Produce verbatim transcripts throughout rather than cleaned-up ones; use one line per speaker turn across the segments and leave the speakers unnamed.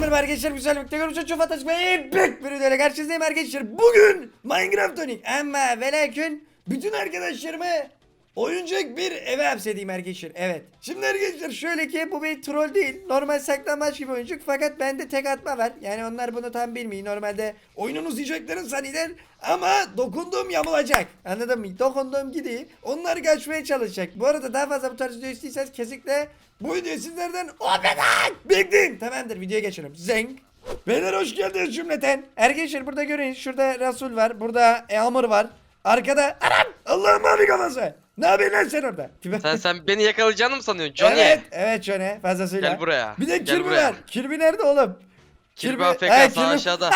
merhaba arkadaşlar, güzel bir tekrar çok fantastik ve büyük bir videoyla karşınızdayım arkadaşlar. Bugün Minecraft oynayayım ama ve lakin bütün arkadaşlarımı oyuncak bir eve hapsedeyim arkadaşlar. Evet. Şimdi arkadaşlar şöyle ki bu bir troll değil. Normal saklambaç gibi oyuncak fakat bende tek atma var. Yani onlar bunu tam bilmiyor. Normalde oyunun uzayacakların zanneder ama dokunduğum yamulacak. Anladın mı? Dokunduğum gidiyor. Onlar kaçmaya çalışacak. Bu arada daha fazla bu tarz video istiyorsanız kesinlikle bu video sizlerden o kadar bekleyin. Tamamdır, videoya geçelim. Zeng. Beyler hoş geldiniz cümleten. Arkadaşlar burada görün, şurada Rasul var. Burada Eamur var. Arkada Aram. Allah'ım abi kafası. Ne yapıyorsun lan sen orada?
Sen sen beni yakalayacağını mı sanıyorsun Johnny?
Evet, evet Johnny. Fazlasıyla.
Gel buraya.
Bir de
Gel
Kirby
buraya.
var. Kirby nerede oğlum?
Kirby
Ha,
A F K sağ
Kirby-
aşağıda.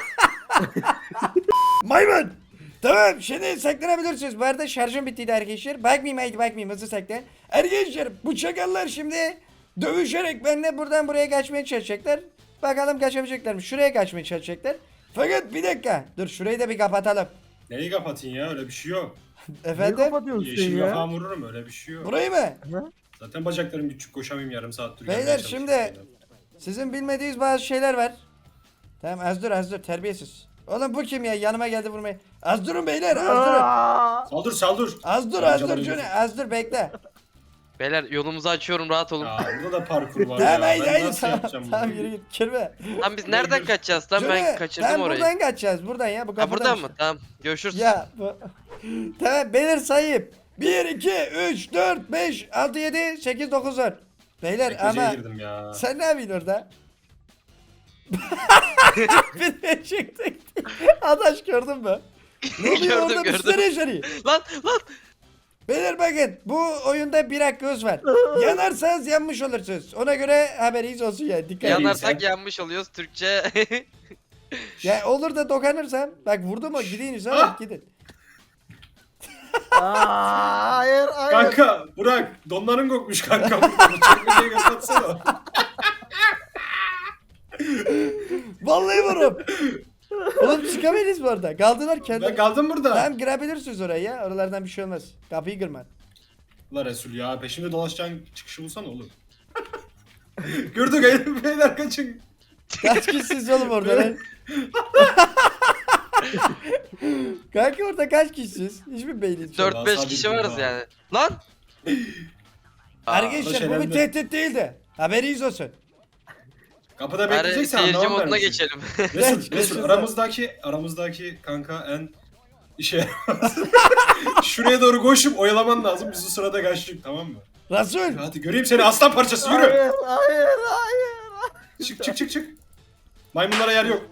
Maymun. Tamam, şimdi saklanabilirsiniz. Bu arada şarjım bittiydi arkadaşlar. Bakmayayım, haydi bakmayayım, hızlı saklan. Arkadaşlar bu çakallar şimdi dövüşerek benimle buradan buraya kaçmaya çalışacaklar. Bakalım kaçabilecekler mi? Şuraya kaçmaya çalışacaklar. Fakat bir dakika. Dur şurayı da bir kapatalım.
Neyi kapatayım ya, öyle bir şey yok.
Ne
Efendim?
kapatıyorsun sen
Yeşil
ya?
kafam vururum, öyle bir şey yok.
Burayı mı?
Zaten bacaklarım küçük, koşamayayım yarım saattir.
Beyler,
gelmeye
şimdi-
çalışıyorum.
Sizin bilmediğiniz bazı şeyler var. Tamam, az dur az dur, terbiyesiz. Oğlum bu kim ya? Yanıma geldi vurmaya. Az durun beyler, az durun.
Aa!
Saldır saldır.
Az dur
Ben
az dur
canım
Johnny,
gözüm.
az dur bekle.
Beyler yolumuzu açıyorum, rahat olun.
Ya burada da parkur var
Tamam
ya.
haydi
Ben
haydi,
nasıl
tamam
yapacağım
tamam,
bunu?
yürü git kirme.
Lan biz nereden kaçacağız lan, ben
Johnny,
kaçırdım
tamam,
orayı.
buradan kaçacağız, buradan ya, bu
Ha
kapıdan
buradan
işte.
mı? Tamam. Görüşürüz.
Ya bu... Tamam beyler, sayayım. bir, iki, üç, dört, beş, altı, yedi, sekiz, dokuz, on. Beyler
Tekmeceye
ama
girdim ya.
sen ne yapıyorsun orada? Bir de çıktık. Adaş gördün mü? Ne oluyor
Gördüm,
orada, bir
gördüm.
sürü yaşanıyor.
Lan lan.
Beyler bakın, bu oyunda bir hakkı göz var. Yanarsanız yanmış olursunuz. Ona göre haberiniz olsun yani, dikkat edin.
Yanarsak
sen.
yanmış oluyoruz Türkçe.
Ya olur da dokanırsam, bak vurdu mu gidin Hüsam,
Ah!
gidin.
Aa, hayır hayır.
Kanka Burak, donların kokmuş kanka. burada. Bu çekmeceyi kapatsana.
Vallahi vururum. Oğlum çıkamayız bu arada. Kaldılar kendi.
Ben kaldım burada.
Tamam, girebilirsiniz oraya ya. Oralardan bir şey olmaz. Kapıyı kırma.
La Resul ya, peşimde dolaşacağın çıkışı bulsana oğlum. Gördük ayı, beyler kaçın.
Kaç kişisiniz oğlum orada lan? Kanka orada kaç kişisiniz? Hiçbir beyniniz yok.
dört beş
sabit
kişi
durma.
varız yani. Lan. Aa,
Arkadaşlar bu bir
şeyler de-
tehdit değildi. Haberiniz olsun.
Kapıda
Bari
bekleyeceksen
seyirci
anlamam
moduna
vermişsin.
geçelim.
Resul,
Geç,
Resul
geç,
aramızdaki aramızdaki kanka en işe yaramaz. Şuraya doğru koşup oyalaman lazım. Biz o sırada kaçtık, tamam mı?
Rasul.
Hadi göreyim seni aslan parçası, yürü.
Hayır hayır hayır.
Çık çık çık çık. Maymunlara yer yok.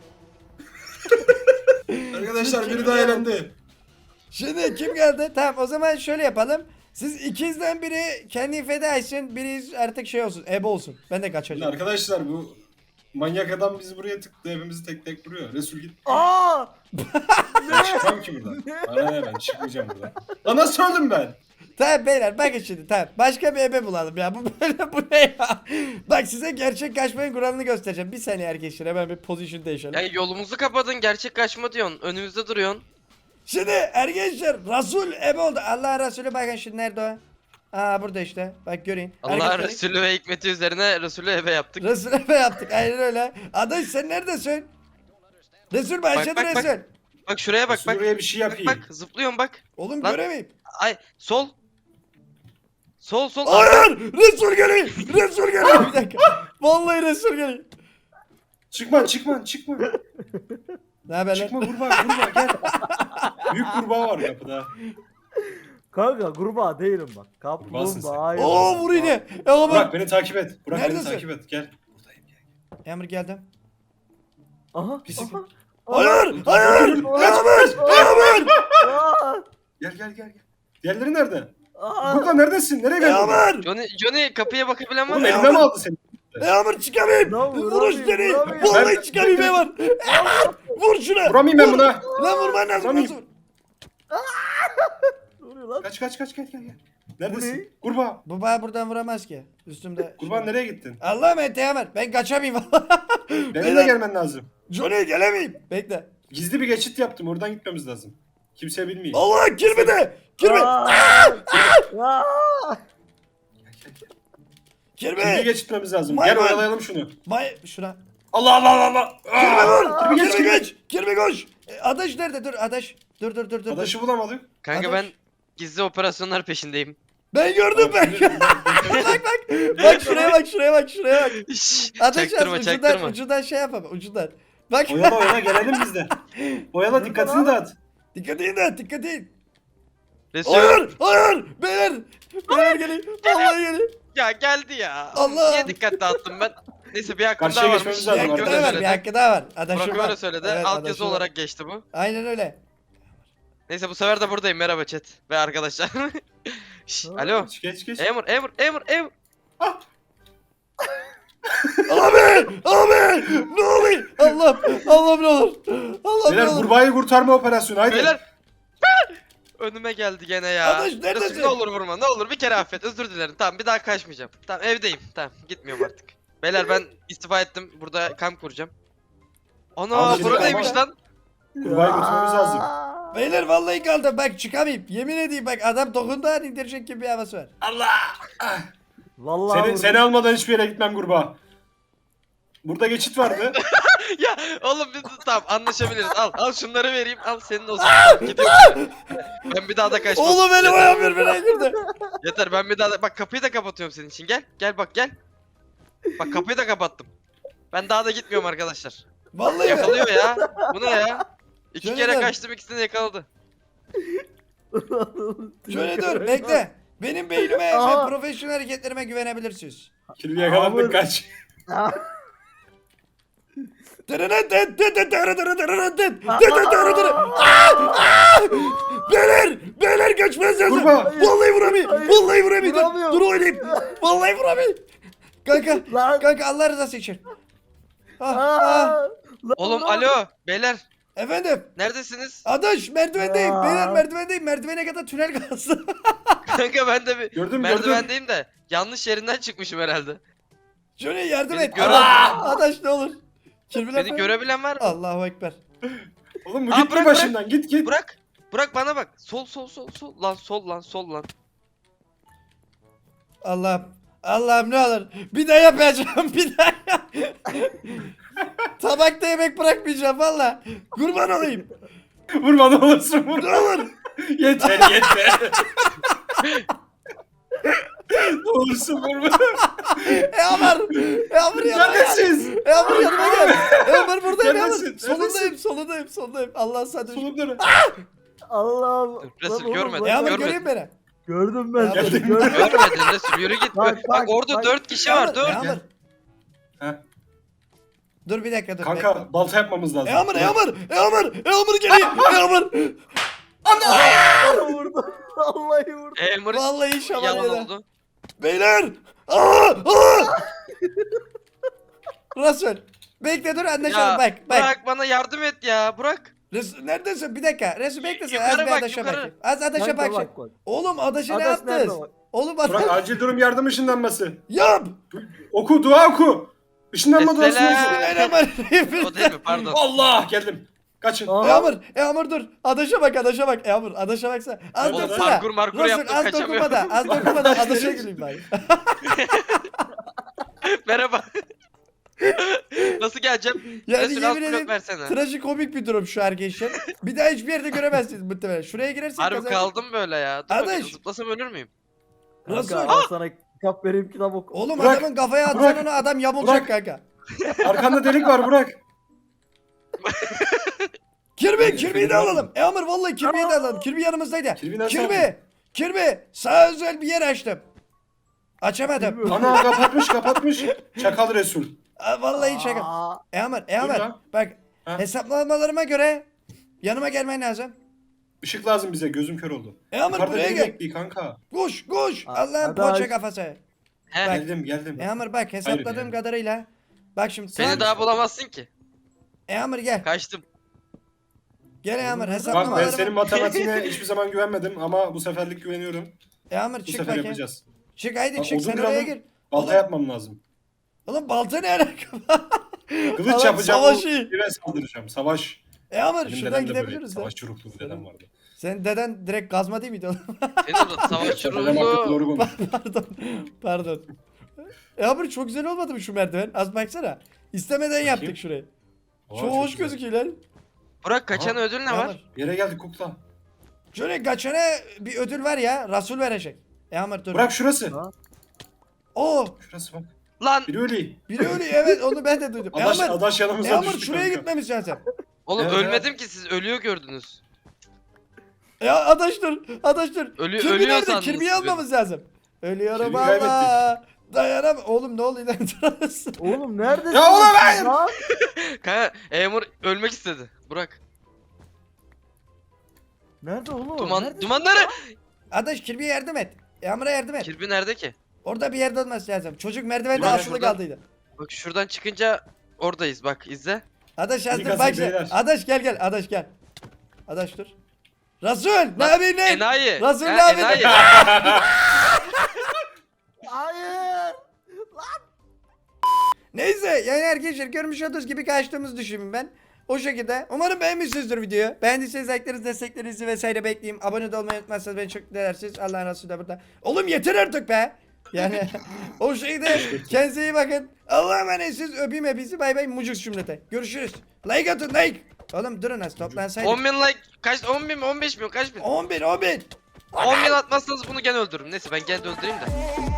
Arkadaşlar biri daha elendi.
Şimdi kim geldi? Tamam, o zaman şöyle yapalım. Siz ikizden biri kendi feda etsin. Biri artık şey olsun. Ebe olsun. Ben de
Şimdi
kaçacağım.
arkadaşlar bu manyak adam bizi buraya tıktı, hepimizi tek tek vuruyor. Resul git.
Aa!
Ben çıkmam ki buradan. Bana ne, ben çıkmayacağım buradan. Lan nasıl öldüm ben?
Tamam beyler, bakın şimdi, tamam. Başka bir ebe bulalım ya. Bu böyle, bu ne ya? Bak size gerçek kaçmanın kuralını göstereceğim. Bir saniye arkadaşlar, hemen bir pozisyon değişelim.
Ya yolumuzu kapadın, gerçek kaçma diyorsun. Önümüzde duruyorsun.
Şimdi arkadaşlar Rasul ebe oldu. Allah Resulü, bakın şimdi nerede o? Aa burada işte. Bak göreyim.
Allah
Arkadaşlar,
Resulü ve hikmeti üzerine Resulü eve yaptık.
Resul ebe yaptık. Aynen öyle. Adaş sen neredesin? Resul başladı,
bak, bak.
Resul.
Bak şuraya bak
Resul
bak.
buraya bir şey
Bak
yapayım.
bak, zıplıyorum bak.
Oğlum
Lan.
göremeyim.
Ay sol. Sol sol.
Hayır! Resul geliyor! Resul geliyor! Bir dakika. Vallahi Resul geliyor.
Çıkma çıkma çıkma.
Ne haber lan?
Çıkma kurbağa kurbağa gel. Büyük kurbağa var kapıda.
Kanka kurbağa değilim bak.
Kurbağasın sen.
Kaplumbağayım.
Oo vur yine. Ya
Burak
bak.
beni takip et. Burak
Neredesin?
beni takip et. Gel. Buradayım gel.
Emir geldim.
Aha.
Pislik.
aha.
Hayır! Hayır! Emir! Emir!
Aa!
Gel gel gel gel. Diğerleri nerede?
Aa!
Burada neredesin? Nereye geldin?
Emir!
Johnny, Johnny kapıya bakabilen var
Oğlum
mı?
Ya
elimden mi
ben-
aldı seni?
Emir çıkamayayım!
Lan
Vuruş
vuramıyorum,
seni!
vuramıyorum.
Vallahi
Ben-
çıkamayayım Emir! Vur şuna!
Vuramayayım ben
Vur!
buna.
Lan vurman lazım.
Vuramayayım.
Nasıl?
Ne oluyor lan?
Kaç kaç kaç gel gel gel.
Bu ne?
Neredesin? Kurbağa.
Bu bana buradan vuramaz ki. Üstümde.
Kurbağa nereye gittin?
Allah'ım ete Emir. Ben kaçamayayım valla.
Benimle gelmen lazım.
Johnny gelemeyim. Bekle.
Gizli bir geçit yaptım. Oradan gitmemiz lazım. Kimse bilmiyor.
Allah kirmi de. Kirmi.
Aa! Aa!
Gizli
Kirmi.
geçitmemiz lazım.
Maymun.
Gel oyalayalım şunu.
May şuna.
Allah Allah Allah Allah.
Kirmi
Aa!
vur.
Kirmi geç
Kirmi
Kirmi.
geç. Kirmi koş. E, Adaş nerede? Dur Adaş. Dur dur dur dur. dur.
Adaşı bulamadık.
Kanka
Adaş.
ben gizli operasyonlar peşindeyim.
Ben gördüm ben. bak bak. Bak şuraya bak şuraya bak şuraya bak.
Şşş,
Adaş yaz
çaktırma
ucundan,
çaktırma.
ucundan şey yapalım ucundan. Bak.
Oyala oyala gelelim biz de. Oyala dikkatini dağıt.
Dikkat edin de dikkat edin.
Resul.
Hayır hayır. Beyler. Beyler gelin. Vallahi gelin.
Ya geldi ya.
Allah.
Niye dikkat dağıttım ben? Neyse bir hakkım
Karşıya
daha
geçmemiz
varmış.
Bir
lazım
hakkı daha var, bir
söyledi.
hakkı daha var. Adaşım
Burak
var.
öyle söyledi.
Evet,
Alt
adaşım
yazı
var.
olarak geçti bu.
Aynen öyle.
Neyse bu sefer de buradayım. Merhaba chat ve arkadaşlar. Şş,
Ha.
alo.
Geç geç geç.
Emur, Emur, Emur, Emur.
Abi! Abi! Ne oluyor? Allah! Allah ne olur? Allah ne
Beyler
olur?
kurbağayı kurtarma operasyonu haydi.
Beyler. Önüme geldi gene ya.
Adaş, neredesin?
Resul, ne olur vurma, ne olur bir kere affet. Özür dilerim. Tamam bir daha kaçmayacağım. Tamam evdeyim. Tamam gitmiyorum artık. Beyler ben istifa ettim. Burada kamp kuracağım. Ana
Abi,
bura
ama-
neymiş lan?
Kurbağayı kurtarmamız lazım.
Beyler vallahi kaldım bak çıkamayayım. Yemin edeyim bak adam dokundu an indirecek gibi bir havası var.
Allah!
Vallahi
Seni,
vurdum.
seni almadan hiçbir yere gitmem kurbağa. Burada geçit vardı.
Ya oğlum biz tamam anlaşabiliriz. Al al şunları vereyim. Al senin olsun. Tamam, gidiyorum. Ben bir daha da kaçmam.
Oğlum benim
Yeter.
ayağım birbirine girdi.
Yeter ben bir daha da bak kapıyı da kapatıyorum senin için. Gel gel bak gel. Bak kapıyı da kapattım. Ben daha da gitmiyorum arkadaşlar.
Vallahi mi?
Yakalıyor ya. Bu ne ya? İki
Şöyle
kere
dön.
kaçtım ikisini de yakaladı.
Şöyle dur bekle. Benim beynime
Aha.
ve profesyonel hareketlerime güvenebilirsiniz.
Kirli yakalandık
Abi.
kaç.
Beyler! Beyler kaçmaz lazım.
Kurbağa.
Vallahi vuramıyor.
Hayır.
Vallahi vuramıyor. Dur,
Vuramıyor.
dur oynayayım. Vallahi vuramıyor. Kanka.
Lan.
Kanka Allah rızası için. Ah, ah.
Aa, lan
Oğlum
lan.
alo beyler
Efendim.
neredesiniz?
Adaş merdivendeyim.
Aa.
Beyler merdivendeyim. Merdivene kadar tünel kalsın.
Kanka ben de bir
Gördüm gördüm.
merdivendeyim de yanlış yerinden çıkmışım herhalde.
Şöyle yardım
Beni
et.
gören-
Allah. Adaş ne olur. Kirbiler
Beni görebilen var mı?
Allahu Ekber.
Oğlum bu
Aa,
gitme
bırak,
başımdan git git.
Bırak. Bırak bana bak. Sol sol sol sol. Lan sol lan sol lan.
Allah'ım. Allah'ım ne olur. Bir daha yapacağım. Bir daha yap. Tabakta yemek bırakmayacağım valla. Kurban olayım.
Vurma ne olursun
Ne
vurma.
olur.
Yeter yeter. Ne olursun vurma.
E Amar. E Amar yanıma gel.
Neredesiniz?
E Amar yanıma gel. E Amar buradayım E Amar.
Neredesin?
Solundayım
Neredesin?
solundayım solundayım. Allah sen de.
Solumda ne?
Allah'ım.
Resul,
Lan oğlum,
görmedim.
lan-
E Amar
Görmedim.
göreyim beni.
Gördüm ben
Ya,
seni
geldim.
gördüm.
Görmedin Resul yürü git.
Bak,
Bak,
bak,
orada
bak.
dört kişi
E
var
Amar,
dur.
E Amar.
Ha.
Dur bir dakika dur.
Kanka balta yapmamız lazım.
E Amar E Amar E Amar E Amar geliyor. E Amar.
Vallahi vurdum. Vallahi vurdum.
Emir
Vallahi şaman
yalan
yedi.
oldu.
Beyler. Aa! Aa! Resul. Bekle dur anlaşalım
Ya
bak bak.
bırak bana yardım et ya bırak.
Resul neredesin? Bir dakika. Resul bekle sen. Az
Yukarı
bir
bak,
adaşa
yukarı.
bakayım. Az adaşa
Kanka
bak.
bak, bak.
Oğlum adaşa ne
Adaş nerede
yaptınız?
bak?
Oğlum
Burak
adaş.
acil durum yardım ışınlanması.
Yap.
Oku dua oku. Işınlanma duası
Esselam.
olsun.
Bismillahirrahmanirrahim.
O değil mi pardon.
Allah geldim. Kaçın.
Aa.
Eamur, Eamur dur. Adaşa bak, adaşa bak. Eamur, adaşa baksana. Az
Oğlum
dursana.
parkur markur
Resul,
yaptım,
az
kaçamıyorum.
dokunma da, az dokunma da adaşa güleyim ben.
Merhaba. Nasıl geleceğim?
Yani
Resul alt
yemin
blok
ederim
versene.
trajikomik bir durum şu arkadaşlar. Bir daha hiçbir yerde göremezsiniz muhtemelen. Şuraya girersek
Harbi
kazanırız.
kaldım böyle ya. Dur bakayım,
Adaş.
zıplasam ölür müyüm?
Resul.
Kanka al sana kitap vereyim kitap oku.
Oğlum
Burak,
adamın kafaya atsan
Burak,
onu adam yamulacak
Burak.
kanka.
Arkanda delik var Burak.
Kirbi, Kirbi'yi de alalım. Eamur vallahi Kirbi'yi de alalım. Kirbi yanımızdaydı.
Kirbi nasıl
Kirbi,
aldın?
Kirbi, sana özel bir yer açtım. Açamadım.
Bilmiyorum.
Ana kapatmış kapatmış. Çakal Resul.
Aa, vallahi şaka.
Aa,
Eamur, Eamur.
ya.
Bak
Ha?
hesaplamalarıma göre yanıma gelmen lazım.
Işık lazım bize gözüm kör oldu.
Eamur
Yukarıda
buraya
biri
gel.
bekliyor kanka.
Koş koş.
Aa,
Allah'ın
adaş.
poğaça kafası.
He.
Bak.
Geldim geldim.
Eamur bak hesapladığım
yani.
kadarıyla. Bak şimdi
Seni
tam-
daha bulamazsın ki.
Eamur gel.
Kaçtım.
Gel Eamur
Bak ben
hesaplamalarıma.
senin matematiğine hiçbir zaman güvenmedim ama bu seferlik güveniyorum.
Eamur
Bu
çık
sefer
bakayım.
yapacağız.
Çık haydi
Bak,
çık
odun
sen oraya
kıralım.
gir.
Balta
Oğlum-
yapmam lazım.
Oğlum balta ne alaka?
Kılıç
Adam
yapacağım.
savaşı.
Bire saldıracağım. Savaş.
Eamur
Benim
şuradan
dedem de böyle
gidebiliriz lan.
savaşçı ruhlu bir dedem vardı.
Senin deden direkt gazma değil miydi oğlum?
Senin orada savaş
Dedem artık
ruhlu.
doğru konuş.
Pardon. Pardon. Eamur çok güzel olmadı mı şu merdiven? Az baksana. İstemeden yaptık şurayı.
Aa,
Çok hoş
güzel.
gözüküyor lan.
Burak kaçan
Aha.
ödül ne var?
Yere geldik kukla.
Şöyle kaçana bir ödül var ya. Rasul verecek. E Amr dur.
Bırak şurası.
Ha?
Oo.
Şurası bak.
Lan
Biri öyle.
Biri öyle evet onu ben de duydum. E
Adaş,
Amr.
adaş
E
yanımıza
Amr
düştü
şuraya
kanka.
gitmemişsin sen.
oğlum
Evet,
ölmedim ki siz ölüyor gördünüz.
Ya adaş dur. Adaş dur.
Ölü-
Kirby
ölüyor
nerede?
sandınız
Kirby'yi
siz
almamız lazım. Ölüyorum
Kirby'yi
valla. Dayanam. Oğlum ne oluyor lan?
Oğlum neredesin?
Ya oğlum hayır!
Lan!
Kanka Emur ölmek istedi. Burak.
Nerede oğlum?
Duman,
Neredesin?
dumanları.
Adaş Kirby'ye yardım et. E Amr'a yardım et.
Kirby nerede ki?
Orada bir yerde olması lazım. Çocuk merdivende
Ulan
asılı
şuradan-
kaldıydı.
Bak şuradan çıkınca oradayız bak izle.
Adaş
İyi
hazır
kasık
bak.
beyler.
Adaş gel gel. Adaş gel. Adaş dur. Rasul ne yapayım ne?
Enayi.
Rasul
Ha,
ne yapayım?
enayi.
Hayır.
Neyse yani arkadaşlar görmüş olduğunuz gibi kaçtığımızı düşünün ben. O şekilde. Umarım beğenmişsinizdir videoyu. Beğendiyseniz like'larınızı, desteklerinizi vesaire bekleyeyim. Abone de olmayı unutmazsanız beni çok değersiniz. Allah'ın Resulü de burada. Oğlum yeter artık be. Yani o şeyde kendinize iyi bakın. Allah'a emanetsiniz. Öpeyim hepinizi. Bay bay. Mucuk cümlete. Görüşürüz. Like atın like. Oğlum durun az toplansaydık.
on bin like kaç on bin mi on beş mi kaç bin?
on bin on bin.
on bin atmazsanız bunu gene öldürürüm. Neyse ben gene de öldüreyim de.